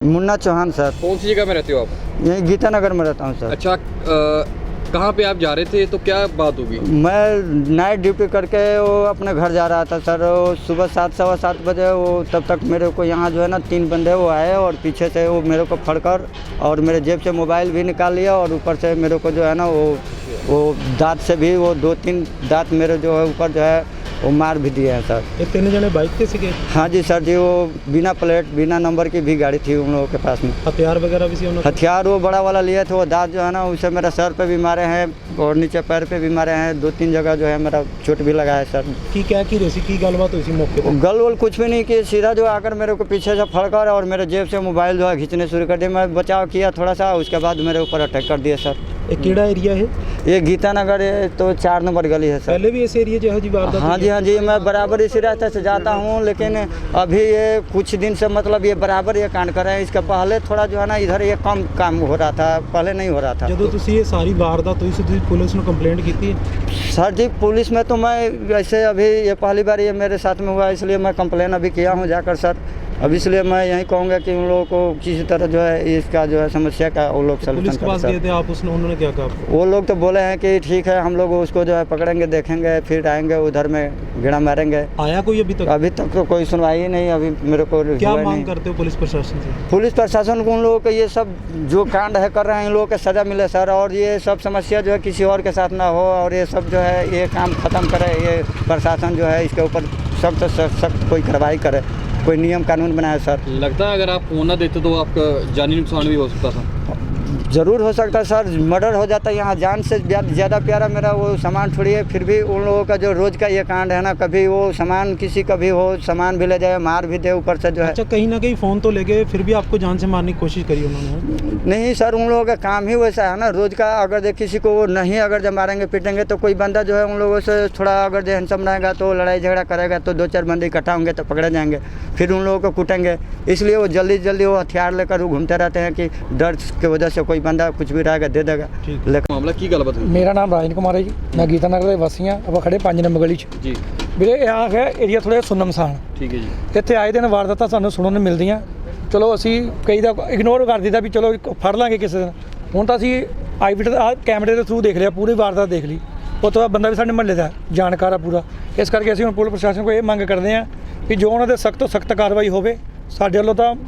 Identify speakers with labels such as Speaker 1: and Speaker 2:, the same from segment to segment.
Speaker 1: Munna Chauhan sir.
Speaker 2: कौन सी जगह में रहते हो आप?
Speaker 1: यहीं गीता नगर में रहता हूँ सर।
Speaker 2: अच्छा, कहाँ पे आप जा रहे थे, तो क्या बात होगी?
Speaker 1: मैं नाइट ड्यूटी करके वो अपने घर जा रहा था सर। वो सुबह 7 सवा 7 बजे वो तब तक मेरे को यहाँ जो है ना 3 बंदे वो आए और पीछे से वो मेरे को फड़कर और मेरे जेब से मोबाइल भी निकाल लिया और ऊपर से मेरे को जो है ना वो दांत से भी वो 2-3 दांत मेरे जो है ऊपर जो है वो मार भी दिए हैं सर।
Speaker 3: ये 3 जने बाइक पे सीखे?
Speaker 1: हाँ जी सर जी, वो बिना प्लेट बिना नंबर की भी गाड़ी थी उन लोगों के पास में।
Speaker 3: हथियार वगैरह भी सी उन्होंने?
Speaker 1: हथियार वो बड़ा वाला लिए थे। वो दांत जो है ना उसे मेरा सर पे भी मारे हैं और नीचे पैर पे भी मारे हैं। 2-3 जगह जो है मेरा चोट भी लगा है सर।
Speaker 3: की क्या की रही की गलबात हुई मौके पर?
Speaker 1: गल वल कुछ भी नहीं की, सीधा जो आकर मेरे को पीछे से फड़कर और मेरे जेब से मोबाइल जो है खींचने शुरू कर दिया। मैं बचाव किया थोड़ा सा, उसके बाद मेरे ऊपर अटैक कर दिया सर।
Speaker 3: ये केड़ा एरिया है?
Speaker 1: ये गीता नगर है, तो 4 नंबर गली है सर।
Speaker 3: पहले भी इस एरिया जो है जी वारदात?
Speaker 1: हाँ जी, मैं बराबर इसी रास्ते से जाता हूँ, लेकिन अभी ये कुछ दिन से मतलब ये बराबर ये कांड कर रहे हैं। इसके पहले थोड़ा जो है ना इधर ये कम काम हो रहा था, पहले नहीं हो रहा था।
Speaker 3: जो तुसी ये सारी वारदात हुई सी पुलिस ने कंप्लेंट की थी?
Speaker 1: सर जी पुलिस में तो मैं ऐसे अभी ये पहली बार ये मेरे साथ में हुआ, इसलिए मैं कंप्लेन अभी किया हूँ जाकर सर। अब इसलिए मैं यही कहूँगा कि उन लोगों को किसी तरह जो है इसका जो है समस्या का वो लोग
Speaker 3: पुलिस के पास गए थे आप, उन्होंने क्या कहा आपको?
Speaker 1: वो लोग तो बोले हैं कि ठीक है हम लोग उसको जो है पकड़ेंगे, देखेंगे, फिर आएंगे उधर में गेड़ा मारेंगे।
Speaker 3: आया कोई अभी तक?
Speaker 1: अभी तक तो कोई सुनवाई ही नहीं अभी मेरे को।
Speaker 3: क्या मांग करते हो पुलिस प्रशासन से?
Speaker 1: पुलिस प्रशासन को उन लोगों को ये सब जो कांड है कर रहे हैं इन लोगों को सज़ा मिले सर, और ये सब समस्या जो है किसी और के साथ ना हो, और ये सब जो है ये काम ख़त्म करे। ये प्रशासन जो है इसके ऊपर सख्त से सख्त कोई कार्रवाई करे, कोई नियम कानून बनाए सर।
Speaker 2: लगता है अगर आप फोन ना देते तो आपका जानी नुकसान भी हो सकता था?
Speaker 1: ज़रूर हो सकता है सर, मर्डर हो जाता है। यहाँ जान से ज़्यादा प्यारा मेरा वो सामान थोड़ी है। फिर भी उन लोगों का जो रोज़ का ये कांड है ना, कभी वो सामान किसी का भी हो, सामान भी ले जाए, मार भी दे ऊपर से जो है।
Speaker 3: अच्छा, कहीं ना कहीं फ़ोन तो ले गए, फिर भी आपको जान से मारने की कोशिश करी उन्होंने?
Speaker 1: नहीं सर, उन लोगों का काम ही वैसा है ना रोज़ का। अगर जो किसी को वो नहीं अगर जब मारेंगे पीटेंगे तो कोई बंदा जो है उन लोगों से थोड़ा अगर जो हैंडसम रहेगा तो लड़ाई झगड़ा करेगा तो 2-4 बंदे इकट्ठा होंगे तो पकड़े जाएंगे, फिर उन लोगों को कूटेंगे। इसलिए वो जल्दी वो हथियार लेकर वो घूमते रहते हैं कि डर की वजह से कोई बंदा कुछ भी रहेगा दे देगा।
Speaker 2: लेकिन मामला की गलबात है?
Speaker 4: मेरा नाम राजन कुमार है जी, मैं गीता नगर के वासी हाँ। आप खड़े 5 नंबर गली
Speaker 2: जी
Speaker 4: ਵੀਰੇ यहाँ है एरिया थोड़ा सुनमसान।
Speaker 2: ठीक है जी।
Speaker 4: ਇੱਥੇ ਆਏ ਦਿਨ ਵਾਰਦਾਤਾਂ ਸਾਨੂੰ ਸੁਣਨ ਨੂੰ ਮਿਲਦੀਆਂ। ਚਲੋ ਅਸੀਂ ਕਈ ਦਾ ਇਗਨੋਰ ਕਰ ਦਿੱਤਾ ਵੀ ਚਲੋ ਫੜ ਲਾਂਗੇ ਕਿਸੇ ਦਿਨ। ਹੁਣ ਤਾਂ ਅਸੀਂ ਆਈਵਿਟ ਕੈਮਰੇ ਦੇ ਥਰੂ ਦੇਖ ਲਿਆ, ਪੂਰੀ ਵਾਰਦਾਤ ਦੇਖ ਲਈ। ਉਹ ਤੋਂ ਬਾਅਦ ਬੰਦਾ ਵੀ ਸਾਡੇ ਮਹੱਲੇ ਦਾ ਜਾਣਕਾਰ ਆ ਪੂਰਾ। ਇਸ ਕਰਕੇ ਅਸੀਂ ਹੁਣ ਪੁਲਿਸ ਪ੍ਰਸ਼ਾਸਨ ਕੋਲ ਇਹ ਮੰਗ ਕਰਦੇ ਹਾਂ ਕਿ ਜੋ ਉਹਨਾਂ ਦੇ ਸਖਤ ਤੋਂ ਸਖਤ ਕਾਰਵਾਈ ਹੋਵੇ। ਸਾਡੇ ਵੱਲੋਂ ਤਾਂ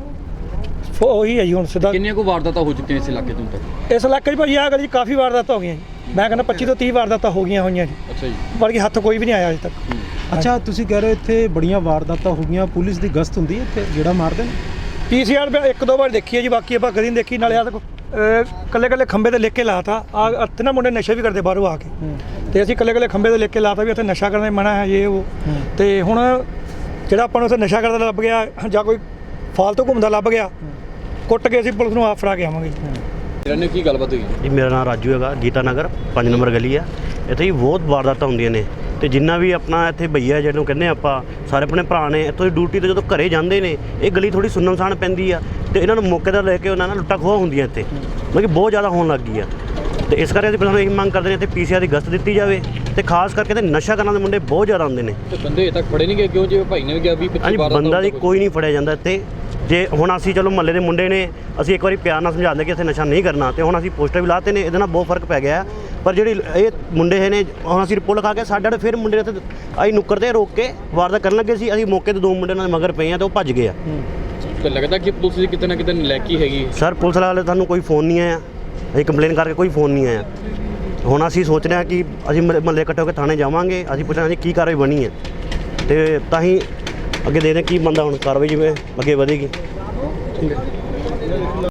Speaker 4: ਉਹੀ ਹੈ ਜੀ ਹੁਣ ਸਿੱਧਾ।
Speaker 2: ਕਿੰਨੀਆਂ ਕੁ ਵਾਰਦਾਤਾਂ ਹੋ ਚੁੱਕੀਆਂ ਇਸ ਇਲਾਕੇ ਤੋਂ ਤੱਕ?
Speaker 4: ਇਸ ਇਲਾਕੇ 'ਚ ਭਾਜੀ ਆਹ ਗਲੀ 'ਚ ਕਾਫੀ ਵਾਰਦਾਤਾਂ ਹੋ ਗਈਆਂ ਜੀ। ਮੈਂ ਕਹਿੰਦਾ 25 ਤੋਂ 30 ਵਾਰਦਾਤਾਂ ਹੋ ਗਈਆਂ ਹੋਈਆਂ ਜੀ।
Speaker 2: ਅੱਛਾ ਜੀ।
Speaker 4: ਬਲਕਿ ਹੱਥ ਕੋਈ ਵੀ ਨਹੀਂ ਆਇਆ ਅਜੇ ਤੱਕ।
Speaker 3: ਅੱਛਾ, ਤੁਸੀਂ ਕਹਿ ਰਹੇ ਹੋ ਇੱਥੇ ਬੜੀਆਂ ਵਾਰਦਾਤਾਂ ਹੋ ਗਈਆਂ, ਪੁਲਿਸ ਦੀ ਗਸ਼ਤ ਹੁੰਦੀ ਹੈ ਇੱਥੇ ਜਿਹੜਾ ਮਾਰਦੇ ਨੇ?
Speaker 4: PCR 1-2 ਵਾਰ ਦੇਖੀ ਹੈ ਜੀ, ਬਾਕੀ ਆਪਾਂ ਕਦੀ ਨਹੀਂ ਦੇਖੀ। ਨਾਲੇ ਆ ਕੱਲੇ ਖੰਬੇ ਤੇ ਲਿਖ ਕੇ ਲਾਤਾ ਆ ਇੱਥੇ ਨਾ ਮੁੰਡੇ ਨਸ਼ੇ ਵੀ ਕਰਦੇ ਬਾਹਰੋਂ ਆ ਕੇ, ਤੇ ਅਸੀਂ ਕੱਲੇ ਖੰਬੇ ਤੇ ਲਿਖ ਕੇ ਲਾਤਾ ਵੀ ਇੱਥੇ ਨਸ਼ਾ ਕਰਨਾ ਮਨਾ ਹੈ ਇਹ ਉਹ। ਤੇ ਹੁਣ ਜਿਹੜਾ ਆਪਾਂ ਨੂੰ ਉੱਥੇ ਨਸ਼ਾ ਕਰਦਾ ਲੱਭ ਗਿਆ ਜਾਂ ਕੋਈ ਫਾਲਤੂ ਘੁੰਮਦਾ ਲੱਭ ਗਿਆ, ਕੁੱਟ ਕੇ ਅਸੀਂ ਪੁਲਿਸ ਨੂੰ ਆਪ ਫੜਾ ਕੇ ਆਵਾਂਗੇ।
Speaker 2: ਇਹਨਾਂ ਕੀ ਗੱਲਬਾਤ ਹੋਈ
Speaker 5: ਜੀ? ਮੇਰਾ ਨਾਮ ਰਾਜੂ ਹੈਗਾ, ਗੀਤਾ ਨਗਰ 5 ਨੰਬਰ ਗਲੀ ਆ। ਇੱਥੇ ਹੀ ਬਹੁਤ ਵਾਰਦਾਤਾਂ ਹੁੰਦੀਆਂ ਨੇ, ਤੇ ਜਿੰਨਾ ਵੀ ਆਪਣਾ ਇੱਥੇ ਭਈਆ ਜਿਹਨੂੰ ਕਹਿੰਦੇ ਆਪਾਂ ਸਾਰੇ ਆਪਣੇ ਭਰਾ ਨੇ, ਇੱਥੋਂ ਦੀ ਡਿਊਟੀ 'ਤੇ ਜਦੋਂ ਘਰੇ ਜਾਂਦੇ ਨੇ ਇਹ ਗਲੀ ਥੋੜ੍ਹੀ ਸੁੰਨਮਸਾਨ ਪੈਂਦੀ ਆ, ਤੇ ਇਹਨਾਂ ਨੂੰ ਮੌਕੇ ਦਾ ਲੈ ਕੇ ਉਹਨਾਂ ਨਾਲ ਲੁੱਟਾਂ ਖੋਹਾਂ ਹੁੰਦੀਆਂ ਇੱਥੇ, ਮਤਲਬ ਕਿ ਬਹੁਤ ਜ਼ਿਆਦਾ ਹੋਣ ਲੱਗ ਗਈ ਆ। ਤੇ ਇਸ ਕਰਕੇ ਅਸੀਂ ਪਹਿਲਾਂ ਇਹ ਮੰਗ ਕਰਦੇ ਨੇ ਇੱਥੇ PCR ਦੀ ਗਸ਼ਤ ਦਿੱਤੀ ਜਾਵੇ, ਤੇ ਖਾਸ ਕਰਕੇ ਤੇ ਨਸ਼ਾ ਕਰਨ ਦੇ ਮੁੰਡੇ ਬਹੁਤ ਜ਼ਿਆਦਾ ਆਉਂਦੇ ਨੇ।
Speaker 2: ਤੇ ਬੰਦੇ ਅਜੇ ਤੱਕ ਫੜੇ ਨਹੀਂ ਗਏ ਕਿਉਂ? ਜਿਵੇਂ ਭਾਈ ਨੇ ਵੀ ਕਿਹਾ 20-25 ਵਾਰਦਾਤਾਂ
Speaker 5: ਬੰਦਾ ਦੀ ਕੋਈ ਨਹੀਂ ਫੜਿਆ ਜਾਂਦਾ ਇੱਥੇ। ਜੇ ਹੁਣ ਅਸੀਂ ਚਲੋ ਮਹੱਲੇ ਦੇ ਮੁੰਡੇ ਨੇ, ਅਸੀਂ ਇੱਕ ਵਾਰੀ ਪਿਆਰ ਨਾਲ ਸਮਝਾਉਂਦੇ ਕਿ ਇੱਥੇ ਨਸ਼ਾ ਨਹੀਂ ਕਰਨਾ, ਤੇ ਹੁਣ ਅਸੀਂ ਪੋਸਟਰ ਵੀ ਲਾਤੇ ਨੇ, ਇਹਦੇ ਨਾਲ ਬਹੁਤ ਫਰਕ ਪੈ ਗਿਆ। ਪਰ ਜਿਹੜੀ ਇਹ ਮੁੰਡੇ ਨੇ ਹੁਣ ਅਸੀਂ ਰਿਪੋਰਟ ਲਿਖਾ ਕੇ ਸਾਡੇ ਫਿਰ ਮੁੰਡੇ ਇੱਥੇ ਅਸੀਂ ਨੁੱਕਰ 'ਤੇ ਰੋਕ ਕੇ ਵਾਰਦਾਤ ਕਰਨ ਲੱਗੇ ਸੀ। ਅਸੀਂ ਮੌਕੇ 'ਤੇ 2 ਮੁੰਡੇ ਨਾਲ ਮਗਰ ਪਏ ਆ ਤੇ ਉਹ ਭੱਜ ਗਏ ਆ।
Speaker 2: ਤੇ ਲੱਗਦਾ ਕਿ ਪੁਲਿਸ ਦੀ ਕਿਤੇ ਨਾ ਕਿਤੇ ਨਲਾਇਕੀ ਹੈਗੀ।
Speaker 5: ਸਰ ਪੁਲਿਸ ਵਾਲੇ ਤੁਹਾਨੂੰ ਕੋਈ ਫੋਨ ਨਹੀਂ ਆਇਆ, ਅਸੀਂ ਕੰਪਲੇਨ ਕਰਕੇ ਕੋਈ ਫੋਨ ਨਹੀਂ ਆਇਆ। ਹੁਣ ਅਸੀਂ ਸੋਚ ਰਹੇ ਹਾਂ ਕਿ ਅਸੀਂ ਮਹੱਲੇ ਇਕੱਠੇ ਹੋ ਕੇ ਥਾਣੇ ਜਾਵਾਂਗੇ, ਅਸੀਂ ਪੁੱਛਾਂਗੇ ਜੀ ਕੀ ਕਾਰਵਾਈ ਬਣੀ ਹੈ, ਤੇ ਤਾਂ ਹੀ ਅੱਗੇ ਦੇਖਦੇ ਕੀ ਬੰਦਾ ਹੁਣ ਕਾਰਵਾਈ ਜਿਵੇਂ ਅੱਗੇ ਵਧੇਗੀ।